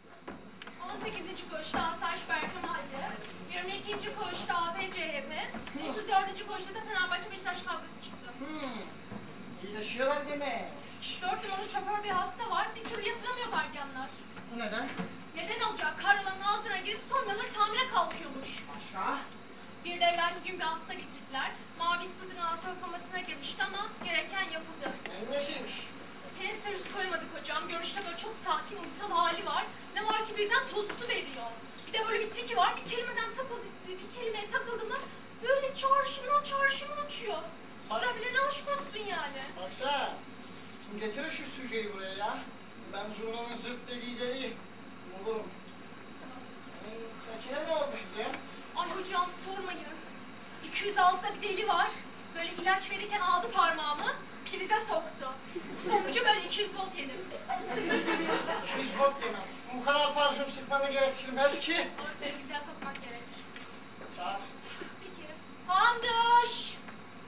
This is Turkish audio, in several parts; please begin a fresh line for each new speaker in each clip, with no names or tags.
18. koğuşta Asayiş Berkemal'de, 22. koğuşta APCHP, 34. koğuşta da Fenerbahçe Beşiktaş kavgası çıktı.
İyileşiyorlar demek.
4 numaralı şoför bir hasta var, bir türlü yatıramıyor gardiyanlar.
Bu neden?
Neden olacak? Karyolanın altına girip sonraları tamire kalkıyormuş.
Başka?
Bir de evvelki gün bir hasta getirdiler. Mavi ispirtin altı komasına girmişti ama gereken yapıldı.
Nesiymiş?
Henüz terörist koymadık hocam. Görüşte böyle çok sakin, uysal hali var. Ne var ki birden tozlu veriyor. Bir de böyle bir tiki var. Bir kelimeye takıldı mı böyle çağrışımdan uçuyor. Sürebilene aşk olsun yani.
Baksana. Getirin şu süjeyi buraya ya. Ben zurnanın zırt dediği bulurum. Saçına ne oldu bize?
Ay hocam sormayın. 206'da bir deli var. Böyle ilaç verirken aldı parmağımı, prize soktu. Sonucu böyle 200 volt yedim.
200 volt yemek. Bu kadar parfüm sıkmanı gerektirmez ki.
Ama size güzel kokmak gerek.
Çağır.
Peki. Handaş!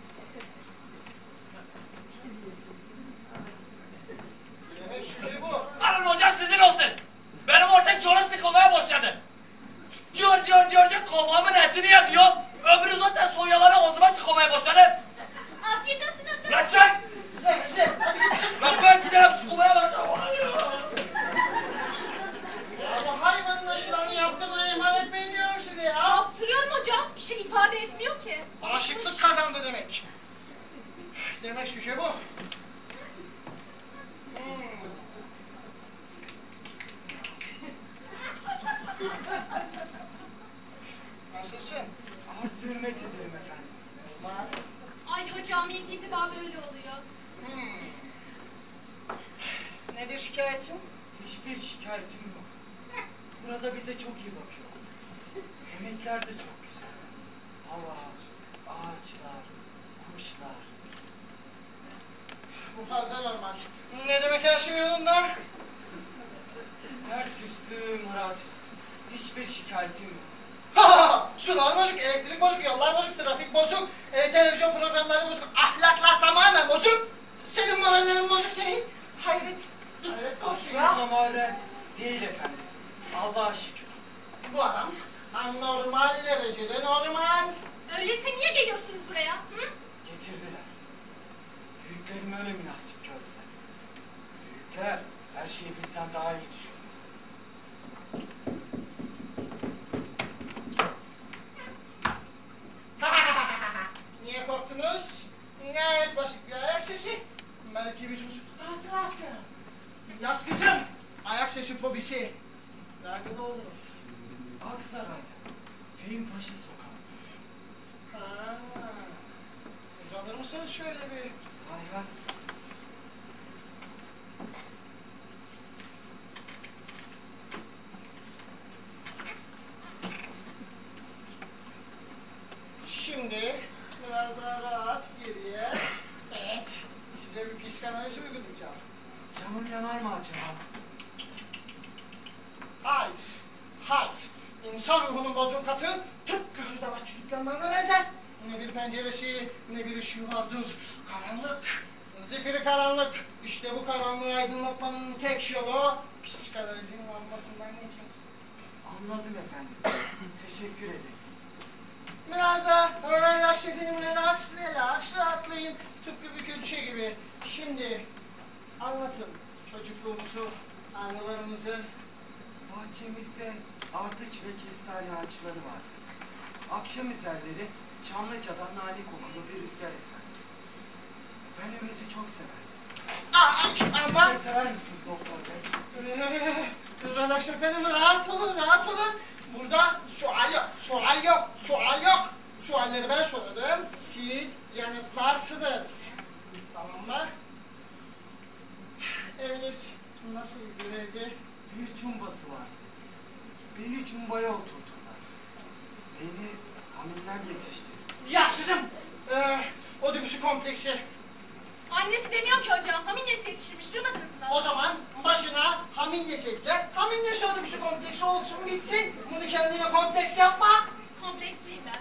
Yemek süjeyi bu.
Alın hocam sizin olsun. Benim ortak canım sıkılmaya başladı. Diyor kovamın etini yemiyor. Öbürü zaten soyaları ağzıma tıkamaya başladı.
Afiyet olsun handaş.
Lan sen!
Sen.
Lan ben giderim sıkılmaya başladım.
Ya bu hayvanın aşılarını yaptırmayı ihmal etmeyin diyorum size ya.
Yaptırıyorum hocam. Bir şey ifade etmiyor ki.
Aşıklık kazandı demek. Demek süje bu. Nasılsın?
Arz hürmet ederim efendim.
Var.
Ay hocam ilk itibar böyle oluyor.
Nedir şikayetin?
Hiçbir şikayetim yok. Burada bize çok iyi bakıyor. Yemekler de çok güzel. Hava, ağaçlar, kuşlar.
Bu fazla normal. Ne demek her şey yolunda?
Dert üstü, murat üstü. Hiçbir şikayetim yok.
Sular bozuk, elektrik bozuk, yollar bozuk, trafik bozuk, televizyon programları bozuk, ahlaklar tamamen bozuk. Senin morallerin bozuk değil. Hayret. Hayret olsun ya.
Aslında mağara değil efendim. Allah'a şükür.
Bu adam anormal derecede normal.
Öyleyse niye geliyorsunuz buraya? Hı?
Getirdiler. Büyüklerim öyle münasip gördüler. Büyükler her şeyi bizden daha iyi düşünüyor.
Niye korktunuz? Gayet basit bir ayak sesi. Belki bir çocuk hatırası. Yaz kızım. Ayak sesi fobisi. Nerede oldunuz?
Aksaray'da. Fehim Paşa Sokağı.
Uzanır mısınız şöyle bir?
Hay hay.
Şimdi biraz daha rahat geriye. Evet. Size bir psikanaliz uygulayacağım.
Canım yanar mı acaba?
Hayır. Hayır. İnsan ruhunun bozukatı tıpkı hırdavatçı dükkanlarına benzer. Ne bir penceresi ne bir ışığı vardır. Karanlık. Zifiri karanlık. İşte bu karanlığı aydınlatmanın tek yolu psikanalizin lambasından geçer.
Anladım efendim. Teşekkür ederim.
Biraz da relax efendim, relax, rahatlayın. Tıpkı bir külçe gibi. Şimdi anlatın çocukluğumuzu, anılarınızı.
Bahçemizde ardıç ve kestane ağaçları vardı. Akşam üzerleri Çamlıca'dan nane kokulu bir rüzgar eserdi. Ben Ömez'i çok severdim.
Ama
Siz de sever misiniz doktor bey?
relax efendim, rahat olun. Burada sual yok. Sualleri ben sorarım, siz yanıtlarsınız. Tamam mı? Eviniz nasıl bir evdi?
Bir cumbası vardı. Beni cumbaya oturttular. Beni haminden yetiştirdi.
Ya sizin Oedipus'u kompleksi.
Annesi demiyor ki hocam. Hamilyesi yetiştirmiş. Duymadınız mı?
O zaman başına hamilyesi ekle. Hamilyesi Oedipus'u kompleksi olsun bitsin. Bunu kendine kompleks yapma.
Kompleksliyim ben.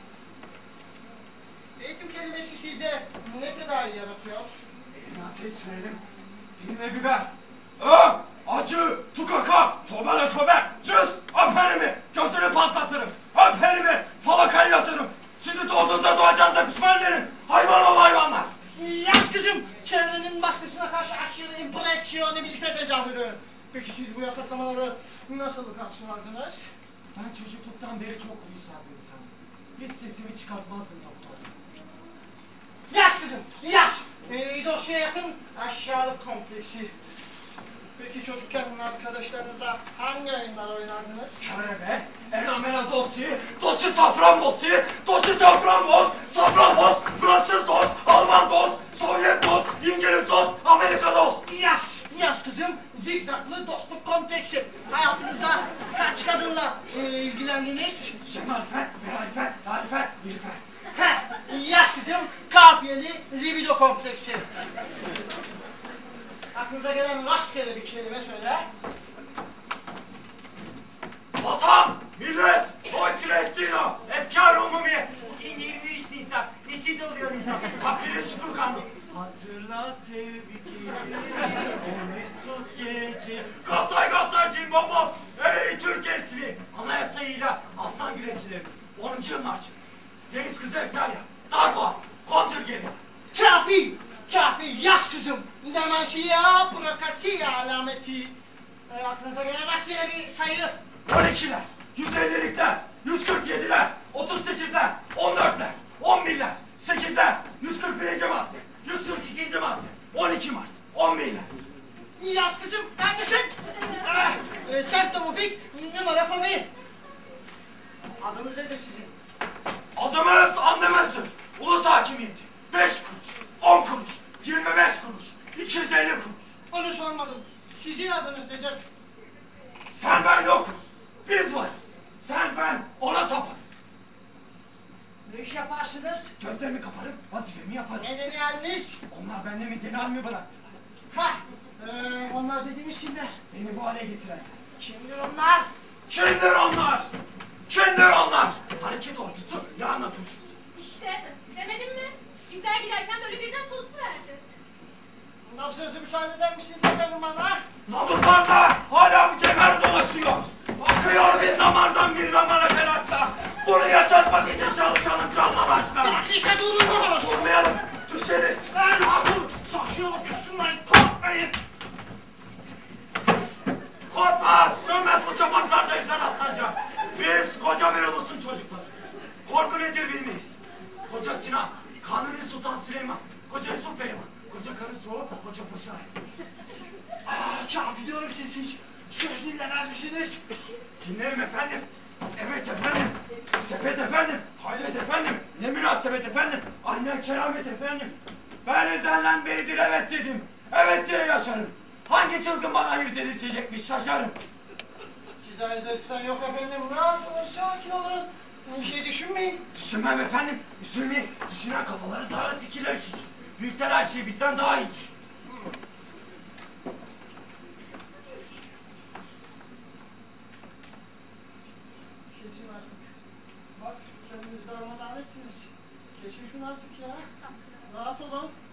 Eğitim kelimesi size ne tedavi yaratıyor?
Elime ateş sürelim. Diline biber. acı, tukaka, tobere tobe, cız, öp elimi, gözünü patlatırım, öp elimi, falakayı yatırım. Sizi doğduğunuzda doğacağınıza pişman ederim. Hayvan ol hayvanlar.
Yaz kızım, çevrenin baskısına karşı aşırı impresyonabilite tezahürü. Peki siz bu yasaklamaları nasıl karşılardınız?
Ben çocukluktan beri çok uysal bir insanım. Hiç sesimi çıkartmazdım doktor.
Yaz kızım, yaz! Dosyaya yakın aşağılık kompleksi. Peki çocukken arkadaşlarınızla hangi oyunlar oynardınız?
Körebe, enamela dosya safranbosi, dosya safranboz, safranboz, Fransız dost, Alman dost, Sovyet dost, İngiliz dost, Amerika dost.
Yaz kızım, zigzaglı dostluk kompleksi. Hayatınızda kaç kadınla ilgilendiniz?
Şemalifer,
Yaz kızım, kafiyeli libido kompleksi. Aklınıza gelen rastgele bir kelime söyle.
Vatan, millet, Oy Filistina, efkar-ı umumi. Bugün 23 Nisan, neşit oluyor Nisan. Takdiri şükür kanun. Hatırla sevgili, o mesut gece. Gazay cimbombo, ey Türk gençliği. Anayasayla aslan güreşçilerimiz, 10. yıl marşı. Deniz kızı Eftalya, Darboğaz, kontrgeri.
Kafi, yaz kızım. Nemanşiya, prokasiya alameti. Aklınıza gelen rastgele bir sayı.
12'ler, 150'likler, 147'ler, 38'ler, 14'ler, 11'ler, 8'ler, 141. madde, 142. madde, 12 Mart, 11'ler.
Yaz kızım, neredesin? Septomofik, numara fobi. Adınız nedir sizin?
Adımız andımızdır. Ulus hakimiyeti. 5 kuruş, 10 kuruş, 25 kuruş, 250 kuruş.
Onu sormadım. Sizin adınız nedir?
Sen ben yokuz. Biz varız. Sen ben ona taparız.
Ne iş yaparsınız?
Gözlerimi kaparıp vazifemi yaparım.
Ne dedi haliniz?
Onlar benden mi genel mi bıraktılar?
Onlar dediğiniz kimler?
Beni bu hale getiren.
Kimdir onlar?
Kimdir onlar? Hareket ordusu, lahana turşusu.
İşte demedim mi? Bizler giderken böyle birden tostu verdi.
Nabzınızı müsaade eder misiniz efendim bana?
Nabızlarda hala bu kemer dolaşıyor. Akıyor bir damardan bir damara telaşla. Bunu yaşatmak için çalışanın canla başla.
Bir dakika durunuz!
Durmayalım, düşeriz.
Dur! Saçıyorum, kısınmayın, korkmayın!
Korkma, sönmez bu çapaklarda insan atsanca. Biz koca bir ulusun çocukları. Korku nedir bilmeyiz. Koca Sinan, Kanuni Sultan Süleyman, koca Yusuf Pehlivan, koca karı Soğuk, koca Paşa.
Kafi diyorum siz hiç söz dinlemez misiniz?
Dinlerim efendim. Evet efendim. Sepet efendim. Hayret efendim. Ne münasebet efendim. Aynen keramet efendim. Ben ezelden beridir evet dedim. Evet diye yaşarım. Hangi çılgın bana ayırt edilecekmiş şaşarım.
Size ayırt etsen yok efendim. Rahat olun, sakin olun. Bir şey düşünmeyin.
Düşünmem efendim. Üzülmeyin. Düşünen kafaları zararlı fikirler üşüşür. Büyükler her şeyi bizden daha iyi düşün.
Kesin artık. Bak kendinizi darmadağın ettiniz. Kesin şunu artık ya. Rahat olun.